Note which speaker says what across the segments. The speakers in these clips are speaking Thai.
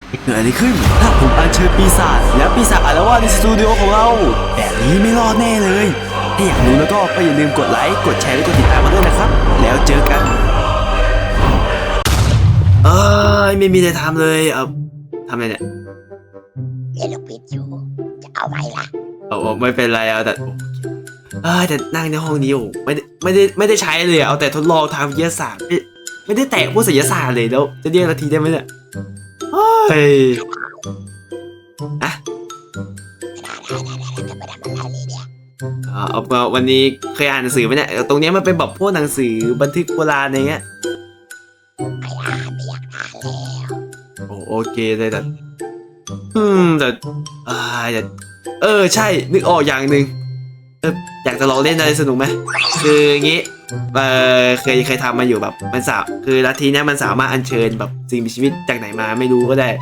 Speaker 1: เกิดอะไรขึ้นถ้าผมอัญเชิญปีศาจแล้วปีศาจอาละวาดในสตูดิโอของเราแบบนี้ไม่รอดแน่เลยถ้าอยากรู้แล้วก็อย่าลืมกดไลค์กดแชร์และกดติดตามมาด้วยนะครับแล้วเจอกันไม่มีอะไรทำเลยทำอะไรเนี่ย
Speaker 2: เล่นลูกปิดอยู่จะเอาไหมล่ะ
Speaker 1: ไม่เป็นไรแต่นั่งในห้องนี้ไม่ได้ใช้เลยเอาแต่ทดลองทางวิทยาศาสตร์ไม่ได้แตะพวกศิลปศาสตร์เลยแล้วจะเรียกนาทีได้ไหมเนี่ยเฮ้ยวันนี้เคยอ่านหนังสือไหมเนี่ยตรงนี้มันเป็นแบบพวกหนังสือบันทึกโบราณอะไรเงี้ย
Speaker 2: ไม่อยากอ่านแล้ว
Speaker 1: โอเคเลยแต่ใช่นึกออกอย่างหนึ่งอยากจะลองเล่นอะไรสนุกไหมคืออย่างงี้เคยทำมาอยู่แบบมันคือลัทธินี้มันสามารถอัญเชิญแบบสิ่งมีชีวิตจากไหนมาไม่รู้ก็ได้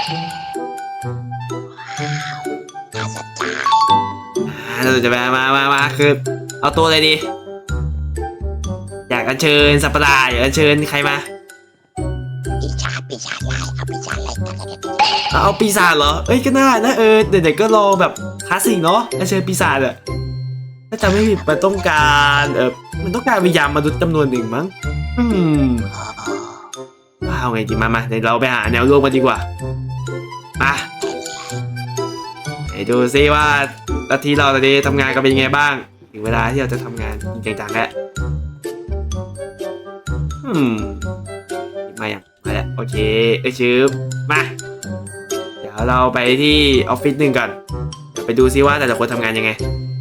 Speaker 1: เราจะมาคือเอาตัวอะไรดีอยากอัญเชิญสัตว์ประหลาดอยากอัญเชิญใครมา
Speaker 2: ปีศาจลายเอาปีศาจอะไรกัน
Speaker 1: เอาปีศาจเหรอก็น่านะเด็กๆก็ลองแบบคลาสสิกเนาะอัญเชิญปีศาจอะถ้าจำไม่ผิดมันต้องการวิญญาณมนุษย์จำนวนหนึ่งมั้งเอาไงดีมาเดี๋ยวเราไปหาแนวร่วมกันดีกว่ามาดูซิว่าลัทธิเราตอนนี้ทำงานกันเป็นยังไงบ้างถึงเวลาที่เราจะทำงานจริงจังแล้วมาแล้วโอเคชื่อมาเดี๋ยวเราไปที่ออฟฟิศหนึ่งก่อนเดี๋ยวไปดูซิว่าแต่ละคนทำงานยังไง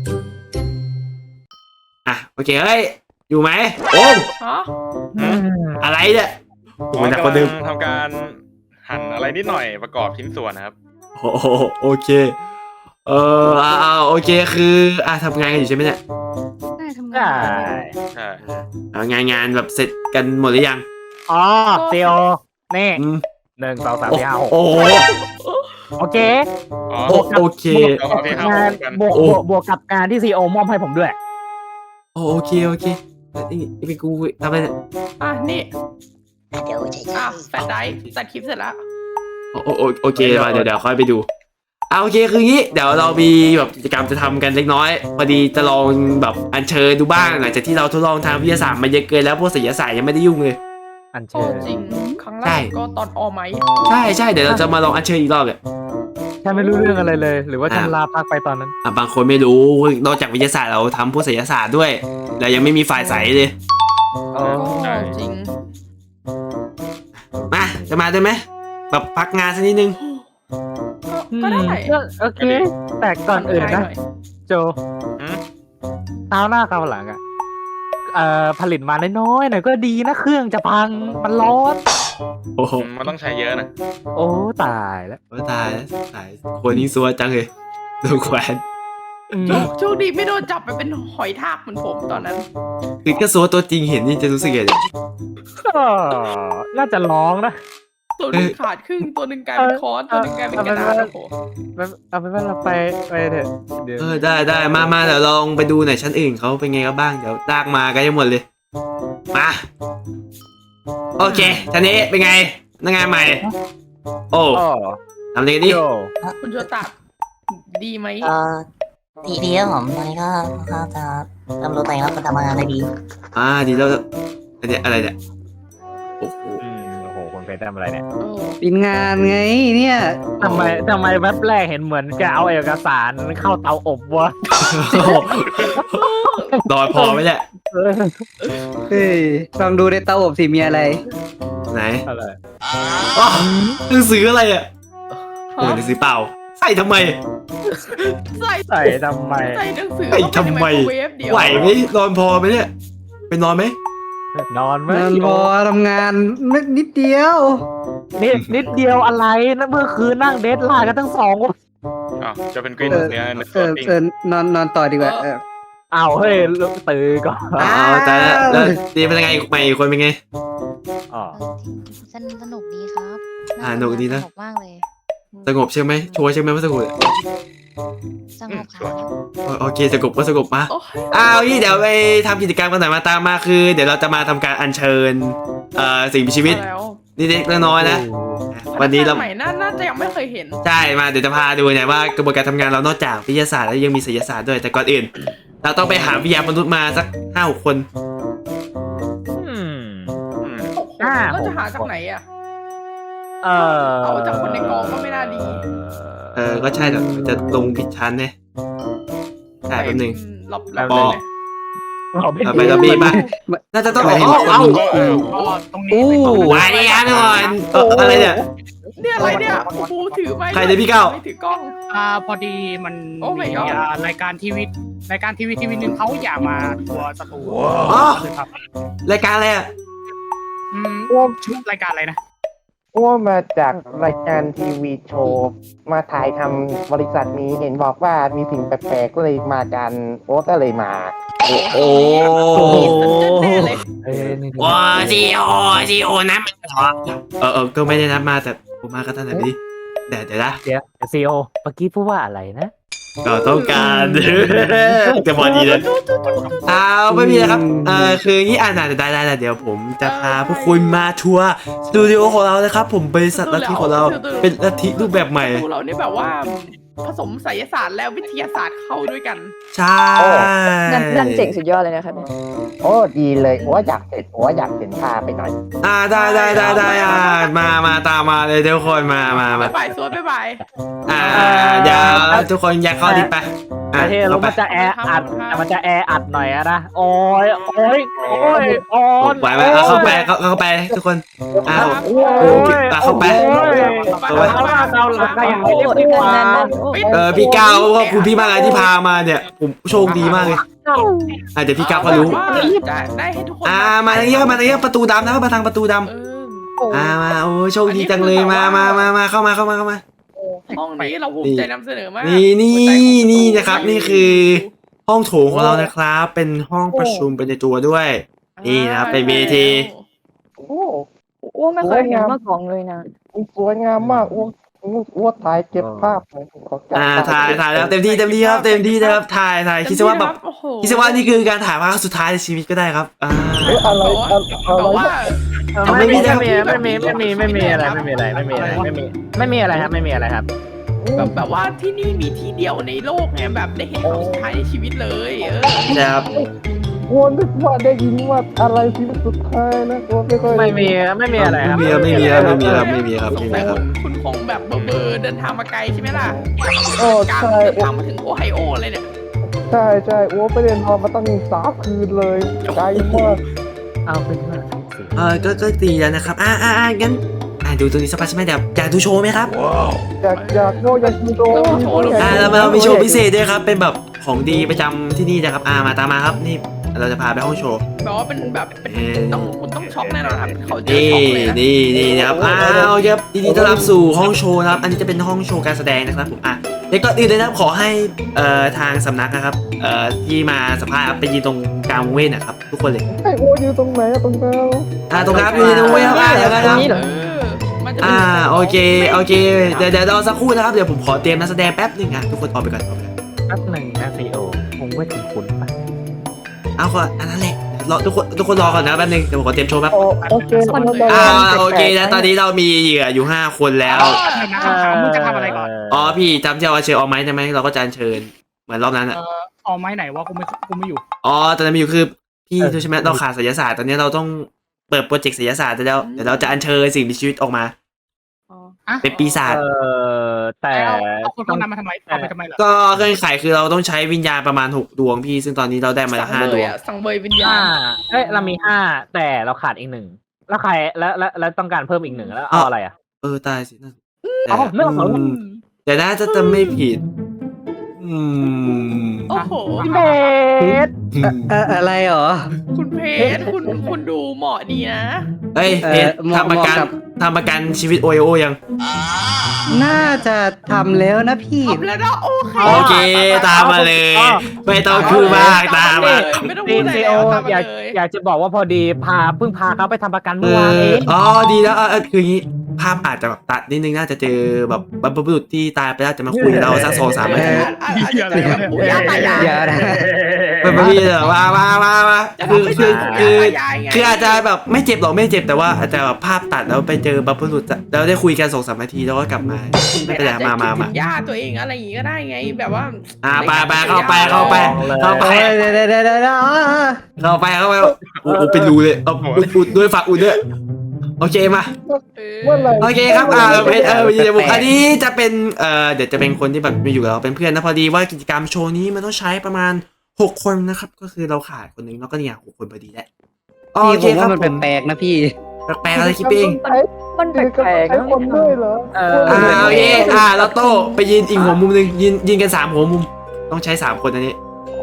Speaker 1: โอเคอยู่ไหมโอ้อะไรเนี่ย
Speaker 3: ผมกำลังทำการหั่นอะไรนิดหน่อยประกอบชิ้นส่วนนะครับ
Speaker 1: โอเคโอเคคือทำงานกันอยู่ใช่ไหมเนี่ย
Speaker 4: ได้ทำงาน
Speaker 3: ใช่
Speaker 1: งานแบบเสร็จกันหมดหรือยัง
Speaker 5: ซีโอนี่1 2 3 4 5 6โอเค
Speaker 1: โอเค
Speaker 5: งานบวกกับงานที่ซีโอมอบให้ผมด้วย
Speaker 1: โอเคนี่เป็นกูทำอะไรเนี่ย
Speaker 4: นี่
Speaker 2: เดี๋ยว
Speaker 4: แฟลชไดรฟ์ตัดคลิปเสร็จแล้ว
Speaker 1: โอเคมาเดี๋ยวค่อยไปดูโอเคคืองี้เดี๋ยวเรามีแบบกิจกรรมจะทำกันเล็กน้อยพอดีจะลองแบบอัญเชิญดูบ้างหลังจากที่เราทดลองทางวิทยาศาสตร์มาเยอะเกินแล้วพวกศิลปศาสตร์ยังไม่ได้ยุ่งเลย
Speaker 5: อัญเชิญ
Speaker 4: จริงครั้งแรกก็ตอนอไหม
Speaker 1: ใช่เดี๋ยวเราจะมาลองอัญเชิญอีกรอบเลย
Speaker 5: ฉันไม่รู้เรื่องอะไรเลยหรือว่าฉันลาพักไปตอนนั้น
Speaker 1: บางคนไม่รู้นอกจากวิทยาศาสตร์เราทำพวกศิลปศาสตร์ด้วยเรายังไม่มีฝ่ายใสเลย
Speaker 4: จริง
Speaker 1: จะมาได้ไหมแบบพักงานสักนิดนึง
Speaker 4: ก็ได้
Speaker 5: โอเคแต่ก่อนอื่นนะโจเท้าหน้าเท้าหลังผลิตมาน้อยๆหน่อยก็ดีนะเครื่องจะพังมันร้อน
Speaker 3: มันต้องใช้เยอะนะ
Speaker 5: โอ้ตายแล้ว
Speaker 1: ตายคนนี้ซัวจังเลยโดนแขวน
Speaker 4: โชคดีไม่โดนจับไปเป็นหอยทากเหมือนผมตอนนั้น
Speaker 1: คือแค่ซัวตัวจริงเห็นนี่จะรู้สึกยังไง
Speaker 5: น่าจะร้องนะ
Speaker 4: ตัวนึงขาดครึ่งตัวนึงกลายเป็นค้อนตัวนึงกลายเป็นกระดาษโอ้โห
Speaker 5: เอาเป็นว่าเราไปเถอะ
Speaker 1: ได้มาเดี๋ยวลองไปดูหน่อยชั้นอื่นเขาเป็นไงกันบ้างเดี๋ยวลากมากันทั้งหมดเลยมาโอเคชั้นนี้เป็นไงนักงานใหม่ทำอะไรกันดิ
Speaker 4: คุณโจตัดดีไหม
Speaker 2: ดีครับผมตอนนี้ก็จะทำรู้ตัวเองแล้วก็ทำงานได้ดี
Speaker 1: ดีแล้วอันนี้อะไรเนี่ย
Speaker 5: โอ้โหคนเพชรทำอะไรเนี่ย
Speaker 6: เป็นงานไงเนี่ย
Speaker 5: ทำไมแว็บแรกเห็นเหมือนจะเอาเอกสารเข้าเตาอบวะ
Speaker 1: ดอยพอไหมเนี่ย
Speaker 6: ลองดูในเตาอบสิมีอะไร
Speaker 1: ไหนหนังสืออะไรหนังสือเปล่าใส่ทำไม
Speaker 5: ใส่ทำไม
Speaker 4: ใส่หนังสือ
Speaker 1: ทำไมไหวไหมนอนพอไหมเนี่ยไปนอนไหม
Speaker 5: นอนไหม
Speaker 6: พอทำงานนิดเดียว
Speaker 5: นิดเดียวอะไรนะเมื่อคืนนั่งเดทไลน์กันทั้ง2 วัน
Speaker 3: จะเป็นกรีนเนี่ย
Speaker 6: นอนต่อดีกว่า
Speaker 5: เฮ้ยตื่นก่อน
Speaker 1: แต่ดีเป็นยังไงใหม่คนเป็นไง
Speaker 2: สนุกดีครับ
Speaker 1: สนุกดีนะ
Speaker 2: สนุกมากเลย
Speaker 1: สงบใช่ไหมชัวร์ใช่ไหมว่าสงบ
Speaker 2: สงบครับ
Speaker 1: โอเคสงบมาเดี๋ยวไปทำกิจกรรมกันหน่อยมาตามมาคือเดี๋ยวเราจะมาทำการอัญเชิญสิ่งมีชีวิตนี่เล็กน้อยๆนะวันนี้เรา
Speaker 4: ใหม่น่าจะยังไม่เคยเห็น
Speaker 1: ใช่มาเดี๋ยวจะพาดูเนี่ยว่ากระบวนการทำงานเรานอกจากวิทยาศาสตร์แล้วยังมีศิลปศาสตร์ด้วยแต่ก่อนอื่น เราต้องไปหาวิทยามนุษย์มาสัก5-6 คน
Speaker 4: เราจะหาจากไหนอ่ะ
Speaker 5: เออ
Speaker 4: เอาจากคนในกองก็ไม่น่าดี
Speaker 1: ก็ใช่แต่มันจะลงผิดชั้นเนี่ยใช่แป๊บนึง
Speaker 4: หลบ
Speaker 1: บอก
Speaker 5: เราเป็น
Speaker 1: เอาไปแล้วบีบ้างน่าจะต้องเอา
Speaker 3: ตรงนี้
Speaker 6: อู้
Speaker 1: วายดีครับทุกคนอะไรเนี่ย
Speaker 4: เนี่ยอะไรเนี่ยโอ้โหถือไม้
Speaker 1: ใครเนี่ยพี่เก้า
Speaker 4: ไม่ถือกล้อง
Speaker 7: พอดีมัน
Speaker 4: โอ้ my
Speaker 7: มี
Speaker 4: god
Speaker 7: รายการทีวีหนึ่งเขาอยากมาทัวร์สตู
Speaker 1: อ๋อ
Speaker 7: เลยครับ
Speaker 1: รายการอะไรอ่ะ
Speaker 7: ชุดรายการอะไรนะ
Speaker 8: อ้วมาจากรายการทีวีโชว์มาถ่ายทำบริษัทนี้เห็นบอกว่ามีสิ่งแปลกๆก็เลยมากันโอ๊ตก็เลยมา
Speaker 1: โอ้
Speaker 4: แน่เลย
Speaker 1: ว้าซีโอนับเหรอก็ไม่ได้นับมาแต่ผมมาก็ตั้งแต่นี้เดี๋ยวนะ
Speaker 5: เดี๋ยวซีโอเมื่อกี้พูดว่าอะไรนะ
Speaker 1: ก็ต้องการจะพอดีเลยไม่มีนะครับคืออย่างนี้ได้เดี๋ยวผมจะพาพวกคุณมาทัวร์สตูดิโอของเรานะครับผมบริษัทลัทธิของเราเป็นลัทธิรูปแบบใหม่
Speaker 4: ดูเราเนี่ยแบบว่าผสมไสยศาสตร์และวิทยาศาสตร์เข้าด้วยกัน
Speaker 1: ใช่
Speaker 9: นั่นเจ๋งสุดยอดเลยนะครับเนี่ย
Speaker 8: โอ้ดีเลยอ้วอยากเห็นพาไปหน่อย
Speaker 1: ได้มาตามมาเลยทุกคนมา
Speaker 4: บ๊ายบายสวยบ๊ายบาย
Speaker 1: เดี๋ยวทุกคนอยากเข้าดิไป
Speaker 5: ประเทศเรามันจะแออัดมันจะแออัดหน่อยอะนะโอ้ย
Speaker 1: ไหวไหมเข้าไปทุกคนเข้าไป
Speaker 5: เราหลักอย่างไม่เรียกว่า
Speaker 1: พี่ก้าวขอบคุณพี่มากเลยที่พามาเนี่ยผมโชคดีมากเลยเดี๋ยวพี่ก้าวก็รู้
Speaker 4: ได้ให้ทุกคน
Speaker 1: มาทางนี้ประตูดำนะครับมาทางประตูดำมาโอ้โชคดีจังเลยมาเข้ามา
Speaker 4: ห้องนี้เราภูมิใจนำเสนอมาก
Speaker 1: นี่นะครับนี่คือห้องโถงของเรานะครับเป็นห้องประชุมเป็นในตัวด้วยนี่นะครับเป็นเวที
Speaker 9: อ้วไม่เคยเห็นมาก่อนเลยนะ
Speaker 8: สวยงามมากอ้วถ่ายเก็บภาพขอจับ
Speaker 1: ถ่ายแล้วเต็มที่ครับเต็มที่นะครับถ่ายคิดซะว่าแบบคิดซะว่านี่คือการถ่ายภาพสุดท้ายในชีวิตก็ได้ครับ
Speaker 8: อะไร
Speaker 4: แต่ว่า
Speaker 5: ไม่มีอะไรครับไม่มีอะไรครับ
Speaker 4: แบบว่าที่นี่มีที่เดียวในโลกไงแบบได้เห็นของสุดท้ายในชีวิตเลย
Speaker 1: ครับ
Speaker 8: อ้วนึกว่าได้ยินว่าอะไรชีวิตสุดท้ายนะอ้วไม่ค่อย
Speaker 5: ไม่มีอะไรครับ
Speaker 1: ไม่มีครับ
Speaker 4: สงสัยคุณคงแบบเบอร์เดินทางมาไกลใช่ไหมล่ะ
Speaker 8: โอ้
Speaker 4: การ
Speaker 8: ใช่
Speaker 4: เดินทางมาถึงโอไฮโอเลยเนี่ย
Speaker 8: ใช่อ้วไปเรียนพอมาตั้ง3 คืนเลยไกลมาก
Speaker 5: เอาเป็นว่า
Speaker 1: ก็ดีแล้วนะครับงั้นดูตรงนี้สักพักใช่ไหมเดี๋ยวอยากดูโชว์ไหมครับ
Speaker 8: อยากดูโชว์
Speaker 1: เรามีโชว์พิเศษด้วยครับเป็นแบบของดีประจำที่นี่นะครับมาตามมาครับนี่เราจะพาไปห้องโชว์
Speaker 4: แบบว่าเป็นแบบต้องช็อกแน่นอนครับเขาจะช็อกเลยนะ
Speaker 1: นี่นะครับครับยินดีต้อนรับสู่ห้องโชว์นะครับอันนี้จะเป็นห้องโชว์การแสดงนะครับผมเดี๋ยวก่อนอื่นเลยนะครับขอให้ทางสำนักนะครับที่มาสัมภาษณ์ไปยืนตรงกลางวงเว้นนะครับทุกคนเลย
Speaker 8: ไอ้อ้วอยู่ตรงไหนตรงกลาง
Speaker 1: ตรงครับอยู่ตรงเว้นครับอย่างนั้นครับโอเคเดี๋ยวรอสักครู่นะครับเดี๋ยวผมขอเตรียมนักแสดงแป๊บนึงทุกคนออกไปก่อน
Speaker 5: แป๊บหนึ่งนะซีโอคงไม่ถึงคุณป่ะ
Speaker 1: เอาก่อนอันนั้นแหละรอทุกคนรอก่อนนะแป๊บนึงเดี๋ยวผมขอเตรียมโชว์แป๊บ
Speaker 8: โอเค
Speaker 1: โอเคนะตอนนี้เรามีเหยื่ออยู่5 คนแล้ว
Speaker 7: มึงจะทำอะไรก่อน
Speaker 1: พี่จำที่เอาเชิญออกไหมใช่ไหมเราก็จะเชิญเหมือนรอบนั้นอ่ะ
Speaker 7: เอาไม้ไหนวะกูไม่อยู่
Speaker 1: ตอนนั้นมีอยู่คือพี่ใช่ไหมเราขาดศิลปศาสตร์ตอนนี้เราต้องเปิดโปรเจกต์ศิลปศาสตร์แล้วเดี๋ยวเราจะอัญเชิญสิ่งมีชีวิตออกมาเป็นปีศาจ
Speaker 5: แต่
Speaker 7: เอาคนพวกนั้นมาทำไมเอาไปทำไมเหรอ
Speaker 1: ก็เงื่อนไขคือเราต้องใช้วิญญาณประมาณ6 ดวงพี่ซึ่งตอนนี้เราได้มาแล้ว5 ดวง
Speaker 4: สังเวยวิญญาณ
Speaker 5: เรามี5แต่เราขาดอีก1แล้วใครแล้วต้องการเพิ่มอีก1แล้วเอาอะไรอ่ะ
Speaker 1: ตายสินั่น
Speaker 5: ไม่เอา
Speaker 1: แต่น่าจะไม่ผิด
Speaker 4: โอ้โห
Speaker 5: พี่เบส
Speaker 6: อะไรหรอ
Speaker 4: คุณเพชรคุณดูเหมาะดีนะ
Speaker 1: เฮ้ยเพชรทำประกันชีวิตโอโอยัง
Speaker 6: น่าจะทำแล้วนะพี่
Speaker 4: ทำแล้วนะ
Speaker 1: โอเคตามมาเลยไม่ต้องพูดมากตามมา
Speaker 4: ไม่ต้องพูดอะไร
Speaker 5: ซีโออยากจะบอกว่าพอดีเพิ่งพาเขาไปทำประกันเมื่อวานเอง
Speaker 1: ดีแล้วคืออย่างนี้ภาพอาจจะแบบตัดนิดนึงน่าจะเจอแบบบรรพบุรุษที่ตายไปแล้วจะมาคุยกับเราสัก2-3 นาที
Speaker 4: อย่า
Speaker 6: อย่านะ
Speaker 1: เป็นไม่มีเหรอมา
Speaker 4: จะ
Speaker 1: คือ
Speaker 4: ทำไม่
Speaker 1: คื
Speaker 4: ถึ
Speaker 1: อง คือ
Speaker 4: ยายไง
Speaker 1: คืออาจจะแบบไม่เจ็บหรอกไม่เจ็บแต่ว่าอาจจะแบบภาพตัดแล้วไปเจอบัฟเฟอร์หลุดแล้วได้คุยกัน2-3 นาทีแล้วก็กลับมาไม่เป็นไรมา
Speaker 4: คิดถึงย่าตัวเองอะไรอย่างงี้ก็ได้ไงแบบว่า
Speaker 1: ไปเข้าไปเข้าไป
Speaker 6: เดี๋ยว
Speaker 1: เข้าไปโอ้เป็นรูเลยเอาอุดด้วยฝากอุดด้วยโอเคมา
Speaker 8: เมื่อไหร่
Speaker 1: โอเคครับอันนี้จะเป็นเดี๋ยวจะเป็นคนที่แบบมาอยู่กับเราเป็นเพื่อนนะพอดีว่ากิจกรรมโชว์นี้มันต้องใช้ประมาณ6 คนนะครับก็คือเราขาดคนหนึงแล้วก็เนี่ย6 คนพอดีแหละโอ
Speaker 6: พี่
Speaker 1: เค
Speaker 6: ผม
Speaker 1: ครั
Speaker 6: ว่า
Speaker 1: บ
Speaker 6: มันแปลกๆนะพี่
Speaker 1: แปลกๆอะไรคิดเอง
Speaker 9: มันแปลกๆ
Speaker 8: ใช้
Speaker 9: นะ
Speaker 8: คนด้วยเหรอ
Speaker 1: โอเคแล้วโต้ไปยืนอีกหัวมุมหนึงยืนกัน3 หัวมุมต้องใช้3 คนอันนี้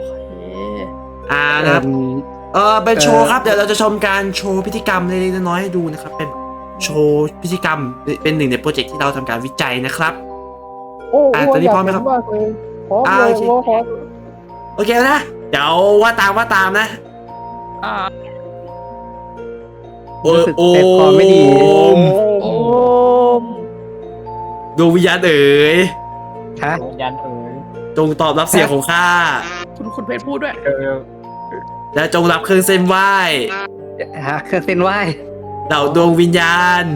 Speaker 1: นะครับเป็นโชว์ครับเดี๋ยวเราจะชมการโชว์พิธีกรรมเล็กๆน้อยๆให้ดูนะครับเป็นโชว์พิธีกรรมเป็นหนึ่งในโปรเจกต์ที่เราทำการวิจัยนะครับ
Speaker 8: โอ้
Speaker 1: ตอนนี้พร้อมไหมครับ
Speaker 8: มากเลยพร้อมเลย
Speaker 1: โอเค
Speaker 8: พร้อม
Speaker 1: โอเคนะเดี๋ยวว่าตามนะ
Speaker 4: อ่า
Speaker 6: รู้สึกเจ็บคอไม่ดี
Speaker 4: โอ้
Speaker 1: ดวงวิญญาณเอ๋ย
Speaker 6: ฮะ
Speaker 5: ยันเอ๋ย
Speaker 1: จงตอบรับเสียงของข้า
Speaker 4: คุณเพชรพูดด้วย
Speaker 1: และจงรับเครื่องเส้นไหว้
Speaker 6: ฮะเครื่องเส้นไหว้
Speaker 1: เหล่าดวงวิญญาณ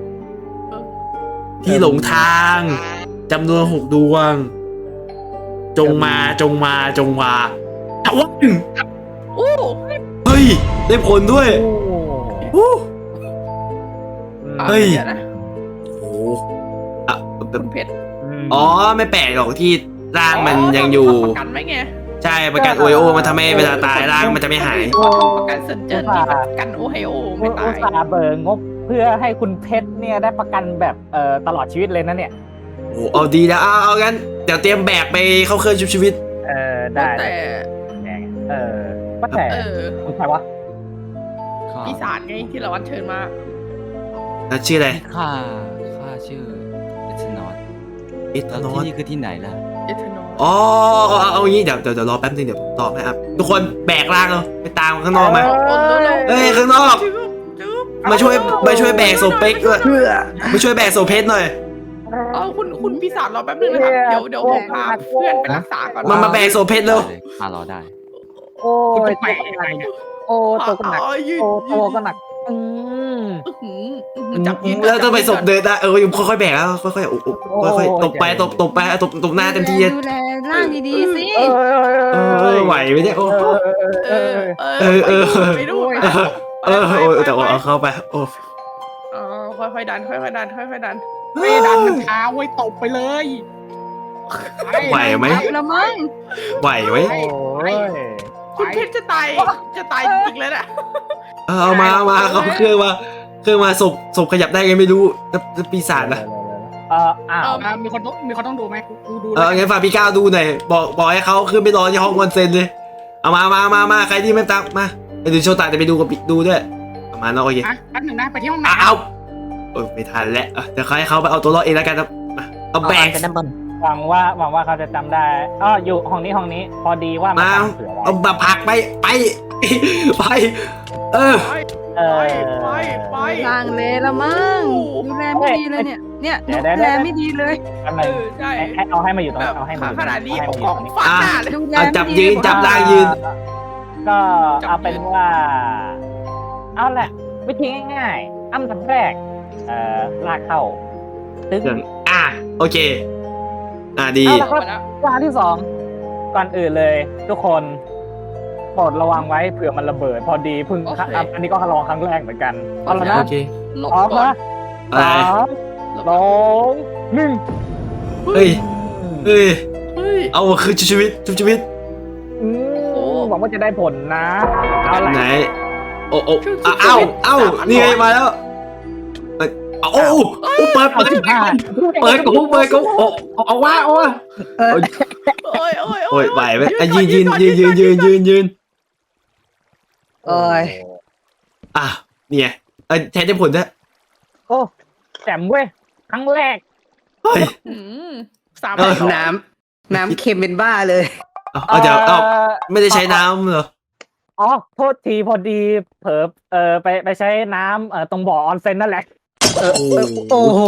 Speaker 1: ที่หลงทางจำนวน6 ดวง จงมาถาวร
Speaker 4: โอ้
Speaker 1: เฮ้ย ได้ผลด้วยอู้ เฮ้ย
Speaker 4: ดี๋วนะ
Speaker 1: โอ้โหอ่ะ
Speaker 4: คุณเพชร
Speaker 1: อ๋อไม่แปลกหรอกที่ร่างมันยังอยู่
Speaker 4: ประกันไหมไง
Speaker 1: ใช่ประกันโอโอมันทำให้เวลาตายร่างมันจะไม่หาย
Speaker 4: ประกันเซนเจอร์นี่ประกันโอไฮโอไม่ตา
Speaker 5: อุ
Speaker 4: ย
Speaker 5: ตส่าห์เบิกงบเพื่อให้คุณเพชรเนี่ยได้ประกันแบบตลอดชีวิตเลยนะเนี่ย
Speaker 1: โอ้เอาดีแล้วเอางั้นเดี๋ยวเตรียมแบกไปเข้าเครื่องชุบชีวิต
Speaker 5: ได้
Speaker 4: แต่
Speaker 5: ก็แต่ คุณใครวะ
Speaker 4: ปีศาจไงที่เราวัดเชิญมา
Speaker 1: แล้วชื่ออะไร
Speaker 10: ข้าชื่อเอทนอต
Speaker 1: เอท
Speaker 10: แล้ว
Speaker 1: นอ
Speaker 10: ที่
Speaker 1: ส
Speaker 10: นี่คือที่ไหนล่ะ
Speaker 4: เอทานอล
Speaker 1: อ๋อเอางี้เดี๋ยวรอแป๊บนึงเดี๋ยวผมตอบให้ครับทุกคนแบกร่างเราไปตามข้างนอกมา เฮ้ยข้างนอก มาช่วยแบกโซเป๊กด้วยมาช่วยแบกโซเพชรหน่อย
Speaker 4: คุณปีศาจรอแป๊บนึงนะครับเดี๋ยวผมพาเพื่อนไปรักษาก่อน
Speaker 1: มาแบกโซเพชรเร็ว
Speaker 10: ข้ารอได้
Speaker 5: โอ้
Speaker 7: คุณ
Speaker 5: ย
Speaker 7: จะไปยังไงเนี่ย
Speaker 5: โอ้ตัวก็หนัก
Speaker 4: ยืด
Speaker 5: โอ้ตัวก็หนัก
Speaker 4: จับยืน
Speaker 1: แล้วต้องไปศพเดินได้ค่อยๆแบกแล้วค่อยๆค่อยๆตบไปตบหน้าเต็มที่
Speaker 9: ดูแลร่างดีๆสิ
Speaker 1: ไหวไหมเนี่ยโอ้
Speaker 4: ไปดู
Speaker 1: แต่ว่าเอาเข้าไปโอ้
Speaker 4: ค่อยๆดันค่อยๆดันค่อยๆดัน
Speaker 7: ไม่ดันมันช้าไว้ยตบไปเลย
Speaker 1: ไหวไหม
Speaker 9: แล้วมั้ง
Speaker 1: ไหวไหม
Speaker 5: โอ้ย
Speaker 4: คุณเพชรจะตายจริงๆแล้วน่ะ
Speaker 1: เอามาเขาเครื่องมาศพขยับได้ไงไม่รู้แล้วปีศาจนะ
Speaker 5: อ้าว
Speaker 7: มีคนต้องดูไหมกูดู
Speaker 1: งั้นฝากพี่ก้าวดูหน่อยบอกให้เขาขึ้นไปรอที่ห้องออนเซ็นเลยเอามาใครที่ไม่ตักมาเดี๋ยวโชว์ตาจะไปดูกับดูด้วยเอามาเนาะโอเค
Speaker 7: แป๊บหนึ่งนะไปที่ห้องน้ำ
Speaker 1: เอาไม่ทันแล้วเดี๋ยวให้เขาไปเอาตัวรอดเองแล้วกันครับเอาแบก
Speaker 2: เป็นด้านบน
Speaker 5: หวังว่าเขาจะจำได้อยู่ห้องนี้พอดีว่ามัน
Speaker 1: มา
Speaker 5: ทำเสือไว้
Speaker 1: เอามาผักไปไป
Speaker 5: เออ
Speaker 4: ไป
Speaker 9: ทางเลยแล้วมั้งดูแลไม่ดีเลยเนี่ยดูแลไม่ดีเลย
Speaker 5: ทำไม
Speaker 4: ใช่
Speaker 5: เอาให้มาอยู่ตรงนี้
Speaker 4: แบบ
Speaker 5: เอาให้มาอยู่
Speaker 4: ขนาดนี้
Speaker 5: เอา
Speaker 4: เอา
Speaker 5: ให้
Speaker 4: ข
Speaker 5: มา
Speaker 4: อง
Speaker 5: อยู่ตรงนี้
Speaker 4: ฟาดหน้าเลย
Speaker 9: ดูแล
Speaker 1: จับ
Speaker 9: ไม่ดี
Speaker 1: ยืนจับล่างยืน
Speaker 5: ก็เอาเป็นว่า เอาแหละวิธีง่ายๆอันดับแรกลากเข้าตึ้ง
Speaker 1: โอเคดี
Speaker 5: เอาละครับอย่างที่สองก่อนอื่นเลย ทุกคนโปรดระวังไว้เผื่อมันระเบิด พอดีเพิ่งอันนี้ก็ลองครั้งแรกเหมือนกันเอาละนะ
Speaker 1: โอเค
Speaker 4: หลบ
Speaker 5: พร้อม
Speaker 4: ก่อน
Speaker 5: นะ
Speaker 1: อะไร
Speaker 5: 3 2 1
Speaker 1: เฮ้ยเอาคือชีวิต
Speaker 5: หวังว่าจะได้ผลนะเอาละ
Speaker 1: ไหนโอ้นี่ไงมาแล้วโอ้เปิดกูเอาว่าโอ้ยไหวไหมยืน
Speaker 6: โอ้ย
Speaker 1: เนี่ยแทนได้ผลนะ
Speaker 5: โอ้แจ่มเว้ยครั้งแรก
Speaker 1: เฮ้ย
Speaker 4: สาม
Speaker 6: น้ำเค็มเป็นบ้าเลย
Speaker 1: เดี๋ยวไม่ได้ใช้น้ำเหรอ
Speaker 5: อ๋อโทษทีพอดีเผลอไปใช้น้ำตรงบ่อออนเซ็นนั่นแหละ
Speaker 6: โอ้โห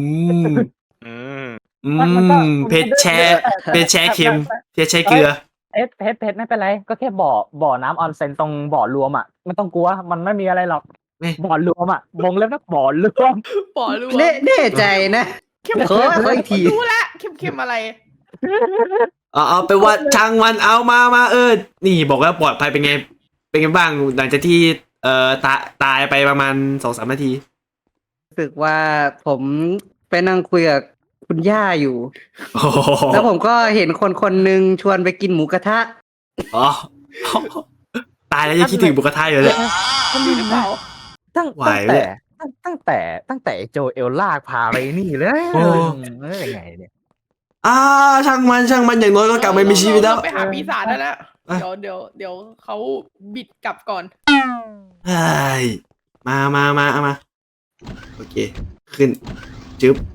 Speaker 1: เผ็ดแช่เค็มเผ็ดแช่เกลือ
Speaker 5: เพชรไม่เป็นไรก็แค่บ่อน้ำออนเซ็นตรงบ่อรวมอ่ะไม่ต้องกลัวมันไม่มีอะไรหรอก
Speaker 1: ไม่
Speaker 5: บ่อรวมอ่ะวงเล็บนะบ่อรวม
Speaker 4: ปอรู้
Speaker 6: แน่ใจนะ
Speaker 4: เข้ม
Speaker 6: ขออีกที
Speaker 4: รู้ละเข้มอะไร
Speaker 1: เอาไปนว่าช่างมันเอามานี่บอกว่าปลอดภัยเป็นไงบ้างหลังจากที่ตายไปประมาณ 2-3 นาที
Speaker 6: รู้สึกว่าผมไปนั่งคุยกับคุณย่าอยู่
Speaker 1: โอ้โห
Speaker 6: แล้วผมก็เห็นคนหนึ่งชวนไปกินหมูกระทะ
Speaker 1: อ๋อตายแล้วยังคิดถึงบุกระทะอยู่เลย
Speaker 4: มีหรือเปล่า
Speaker 1: ไหวเลย
Speaker 5: ตั้งแต่โจเอลลากพาไปนี่เลย
Speaker 1: โอ้
Speaker 5: ยังไงเนี่ย
Speaker 1: ช่างมันอย่างน้อยก็กลับมามีชีวิตแล้ว
Speaker 4: เราไปหาปีศาจได้แล้ว
Speaker 1: อ่ะ
Speaker 4: เดี๋ยวเขาบิดกลับก่อน
Speaker 1: เฮ้ยมาโอเค ขึ้นจึ๊บ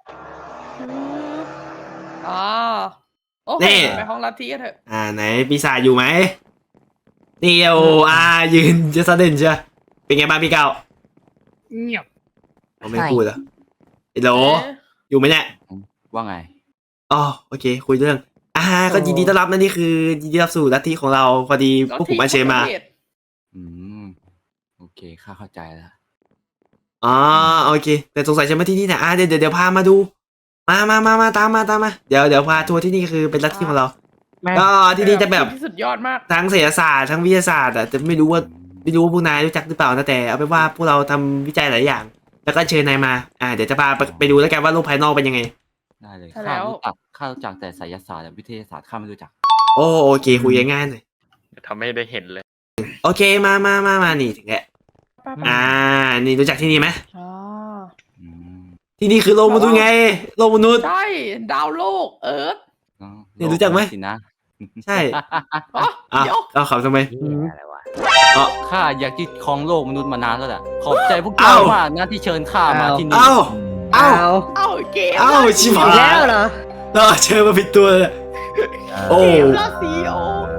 Speaker 4: อ๋อโอเค
Speaker 1: นี่
Speaker 4: ไปห้องลัทธิกันเถอะ
Speaker 1: ไหนปีศาจอยู่ไหมนี่ยืนจะสะเด่นเชียวเป็นไงบ้างพี่เก้า
Speaker 7: เงียบ
Speaker 1: ผมไม่พูดเหรอไอ้โหลอยู่ไหมเนี่ย
Speaker 10: ว่าไง
Speaker 1: อ๋อโอเค คุยเรื่องก็ยินดีต้อนรับนะนี่คือยินดีต้อนรับสู่ลัทธิของเราพอดีพวกผมมาเชญมา
Speaker 10: อืม โอเค ข้าเข้าใจแล้ว
Speaker 1: อ๋อโอเค แต่สงสัยจะมาที่นี่นะเดี๋ยวพามาดู มาตามมาเดี๋ยวพาทัวร์ที่นี่คือเป็นลัทธิของเรา ก็ที่นี่จะแบบ
Speaker 4: ที่สุดยอดมาก
Speaker 1: ทั้งเศรษฐศาสตร์ทั้งวิทยาศาสตร์แต่ไม่รู้ว่าพวกนายรู้จักหรือเปล่านะแต่เอาเป็นว่าพวกเราทำวิจัยหลายอย่าง แล้วก็เชิญนายมาเดี๋ยวจะพาไปดูแล้วกันว่าโลกภายนอกเป็นยังไง
Speaker 10: ได้เลย
Speaker 4: ใช่แล้ว
Speaker 10: ข้ารู้จักแต่ไสยศาสตร์และวิทยาศาสตร์ข้าไม่รู้จัก
Speaker 1: โอเคคุยง่ายๆหน่อย
Speaker 3: ทำให้ได้เห็นเลย
Speaker 1: โอเคมานี่ถึงแล้วนี่รู้จักที่นี่ไหม
Speaker 4: อ๋อ
Speaker 10: อืม
Speaker 1: ที่นี่คือโลกมนุษย์ไงโลกมนุษย์
Speaker 4: ใช่ดาวโลกเอิร์ธ
Speaker 10: อ๋อ
Speaker 1: เนี่ยรู้จักไหม
Speaker 10: สินะ
Speaker 1: ใช่
Speaker 4: อ๋อเดี๋ยว
Speaker 1: เอาขับทำไม
Speaker 5: อะไรวะ
Speaker 10: ข้าอยากยึดครองโลกมนุษย์มานานแล้วแหละ ขอบใจพวกเจ้ามากนะที่เชิญข้ามาที่นี่
Speaker 1: เอ้า
Speaker 4: เอ้าเกม
Speaker 1: ชิบหา
Speaker 6: อีกแล้ว
Speaker 1: ย
Speaker 6: เหรอ
Speaker 1: เชิญมาผิดตัวเลยโอ้
Speaker 4: เกมละซีโอ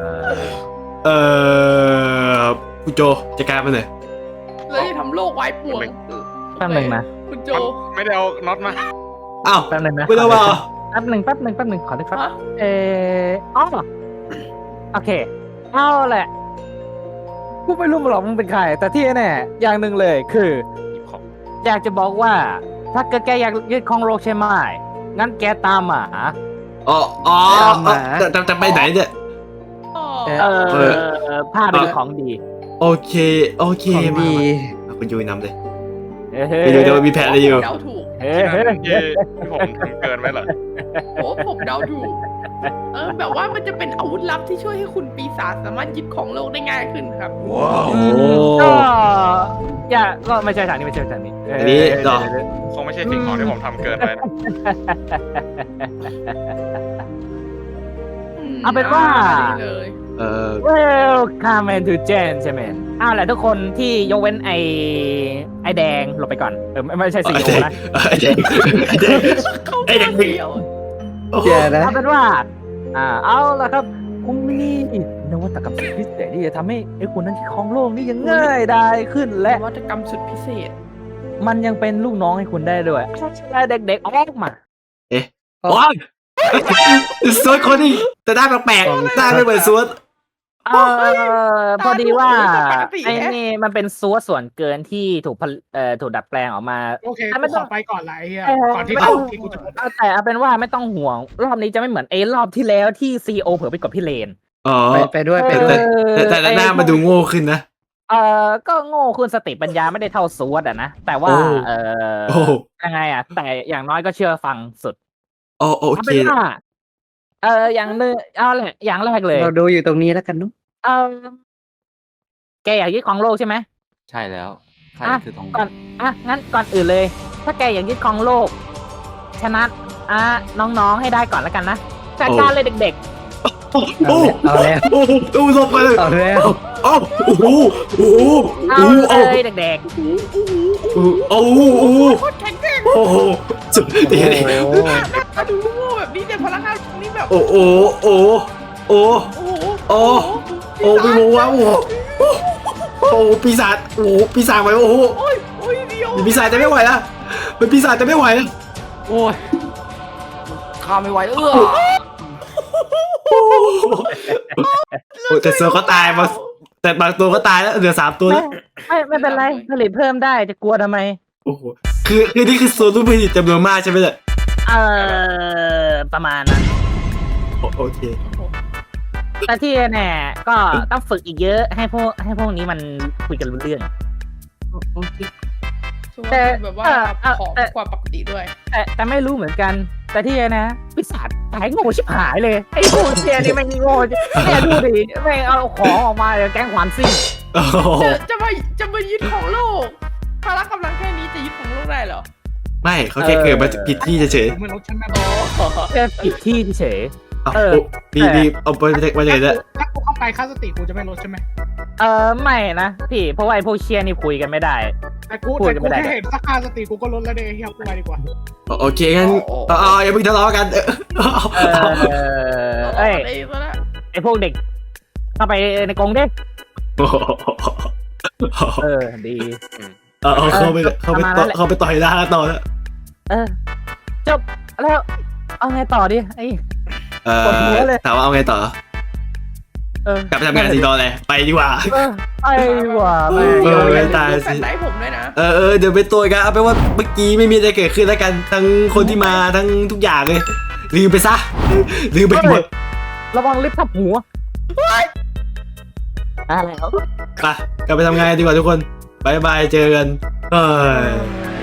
Speaker 1: คุณโจจัดการมันหน่อย
Speaker 4: เลยทำโลกไว้ป่วง
Speaker 5: แป๊บหนึงนะ
Speaker 4: คุณโจ
Speaker 3: ไม่ได้เอาน็อตมา
Speaker 1: อ้าว
Speaker 5: แป๊บหนึงนะ
Speaker 1: ไม่ต้องมา
Speaker 5: แป๊บหนึ่งขอได้ครับ
Speaker 4: ฮะ
Speaker 5: อ๋อโอเคเอาแหละกูไม่รู้หรอกมึงเป็นใคร แต่ที่แน่อย่างหนึ่งเลยคือ
Speaker 3: หยิบของ
Speaker 5: อยากจะบอกว่า ถ้าเกิดแกอยากยึดครองโลกใช่ไหมงั้นแกตามหมา
Speaker 1: แต่ไปไหนเนี่ย
Speaker 4: อ๋อ
Speaker 5: พาไปดูของดี
Speaker 1: โอเค
Speaker 6: ของดี
Speaker 1: มาคุณยูนำเลย
Speaker 5: เฮ้
Speaker 1: ไปดูเดี๋ยวมีแผนอะไรอยู่
Speaker 4: เดาถูก
Speaker 5: เฮ้
Speaker 3: ที่นั่นที่ผมทำเกินไว้เหรอ
Speaker 4: โอ้ผมเดาถูก แบบว่ามันจะเป็นอาวุธลับที่ช่วยให้คุณปีศาจสามารถยึดของโลกได้ง่ายขึ้นครับ
Speaker 5: ก็อย่าก็ไม่ใช่ทางนี้ไม่ใช่ทางนี้
Speaker 1: อันนี้เหรอ
Speaker 3: คงไม่ใช่สิ่งของที่ผมทำเกินไว้นะ
Speaker 5: เอาเป็นว่า
Speaker 4: ดีเลย
Speaker 5: Welcome to Gentlemen แหละทุกคนที่ยกเว้นไอแดงหลบไปก่อนไม่ใช่สีโอนะ
Speaker 1: ไอ้เด็ก
Speaker 4: เขาเดียว
Speaker 6: เดี๋ยวนะ
Speaker 5: เอาเป็นว่าเอาละครับคุณมีนวัตกรรมสุดพิเศษที่จะทำให้ไอ้คนนั้นที่ครองโลกนี่ยังง่ายได้ขึ้นและ
Speaker 4: นวัตกรรมสุดพิเศษ
Speaker 5: มันยังเป็นลูกน้องให้คุณได้ด้วยเด็กๆออกมา
Speaker 1: โอ้ยสวดคนนี้แต่ได้แปลกๆได้ไม่เหมือนสวด
Speaker 5: พอดีว่า
Speaker 4: ปกติ
Speaker 5: ไอ้นี่มันเป็นซัวส่วนเกินที่ถูกดัดแปลงออกมา
Speaker 7: โอเค
Speaker 5: ไม่
Speaker 7: กู
Speaker 5: ต้
Speaker 7: ข
Speaker 5: อง
Speaker 7: อไปก่อนละไอ้เหี้ย
Speaker 5: เออ
Speaker 7: ก่อนที่
Speaker 5: ไม่ต้อง
Speaker 7: ที่กูจะหมด
Speaker 5: แต่เอาเป็นว่าไม่ต้องห่วง รอบนี้จะไม่เหมือนรอบที่แล้วที่ซีโอเผลอไปกดพี่เลน
Speaker 1: อ๋อ
Speaker 6: ไปด้วย
Speaker 1: แต่หน้ามาดูโง่ขึ้นนะ
Speaker 5: ก็โง่คุณสติปัญญาไม่ได้เท่าซัวอะนะแต่ว่า
Speaker 1: โอ้
Speaker 5: ยังไงแต่อย่างน้อยก็เชื่อฟังสุด
Speaker 1: โอ
Speaker 5: เอา
Speaker 1: เค
Speaker 5: เป็นว่าอย่างนึงเอาแหละอย่างแรกเลย
Speaker 6: เราดูอยู่ตรงนี้แล้วกันนุ๊ก
Speaker 5: แกอยากยึดของโลกใช่ไหม
Speaker 10: ใช่แล้ว ข้า
Speaker 5: อ่ะ
Speaker 10: คือทอง
Speaker 5: ก่อนงั้นก่อนอื่นเลย ถ้าแกอยากยึดของโลก ชนะน้องๆให้ได้ก่อนแล้วกันนะจัดการเลยเด็ก
Speaker 1: โอ้
Speaker 6: เอาแล้ว
Speaker 1: โอ้ลงไปเลย
Speaker 6: เอาแล้ว
Speaker 1: โอ้โห
Speaker 5: ๆ เอาเลยเด็ก
Speaker 1: โอ้โห
Speaker 4: โคตรแข็งแกร่ง
Speaker 1: โอ้โหสุดเดี๋ยว
Speaker 4: มาดูโง่แบบนี้เนี่ยพลังงานตรงนี้แบบ
Speaker 1: โอ้ไม่รู้ว่าโอ้ปีศาจปีศาจไหวโอ้โห
Speaker 4: โอ้ยเดียว
Speaker 1: ปีศาจจะไม่ไหวแล้วเป็นปีศาจจะไม่ไหวแล้ว
Speaker 10: โอ้ย ข้าไม่ไหว
Speaker 1: โอ้แต่โซก็ตายมาแต่บางตัวก็ตายแล้วเหลือ3 ตัวแล้ว
Speaker 5: ไม่เป็นไรผลิตเพิ่มได้จะกลัวทำไม
Speaker 1: โอ้โหคือนี่คือโซนลูกผลิตจำนวนมากใช่ไหมเนี่ย
Speaker 5: ประมาณนั้น
Speaker 1: โอเค
Speaker 5: แต่ที่แน่ก็ต้องฝึกอีกเยอะให้พวกนี้มันคุยกันรู้เรื่อง
Speaker 4: แต่แบบว่าผอมกว่าปกติด้วย
Speaker 5: แต่ไม่รู้เหมือนกัน แต่ที่นะปีศาจตายโง่ชิบหายเลยไอ้พวกเชียนี่ไม่งโง่แม่ดูดิแม่งเอาของออกมาแก๊งขวานซิ่ง
Speaker 1: โอ้โห
Speaker 4: จะมายึดของโลกพละกำลังแค่นี้จะยึดของโลกได้เหรอ
Speaker 1: ไม่เขาแค่เกิดมาผิดที่เฉย
Speaker 7: ไม่รู้ฉันนะ
Speaker 5: แค่ผิดที่เฉย
Speaker 1: ๆเอาดีเอาไปเลยนะ
Speaker 7: ถ้ากูเข้าไปค่าสติกูจะไม่ลดใช่ไหม
Speaker 5: ไม่นะพี่เพราะว่าไอ้พวกเชียนี่คุยกันไม่ได้
Speaker 7: แต่กูแค่เห็นถ้าค่าสติกูก็ลดแล้วเดี๋ยวเฮียกูไปดีกว่า
Speaker 1: โอเคงั้นอย่าเพิ่งทะเลาะกัน
Speaker 5: เอ้ย
Speaker 4: อะไรซะละ
Speaker 5: ไอ้พวกเด็กเข้าไปในกรงดิดี
Speaker 1: เข้าไปต่อยหน้าต่อแล้ว
Speaker 5: จบแล้วเอาไงต่อดิไอ้ ปวดหัวเลย
Speaker 1: ถามว่าเอาไงต่อ กลับไปทำงานสีดอเลยไปดีกว่า
Speaker 5: ไอ้ว่าแม่
Speaker 1: ไม่ตายสิ
Speaker 4: แฟนได้ผมด้วยนะ
Speaker 1: เดี๋ยวไปตัวกันเอาไปนว่าเมื่อกี้ไม่มีอะไรเกิดขึ้นแล้วกันทั้งคนที่มาทั้งทุกอย่างเลยลืมไปซะลืมไปหมด
Speaker 5: ระวังลิฟต์ทับหัว
Speaker 2: อะไรเขา
Speaker 1: ไปกลับไปทำงานดีกว่าทุกคนบายบายเจอกันเฮ้ย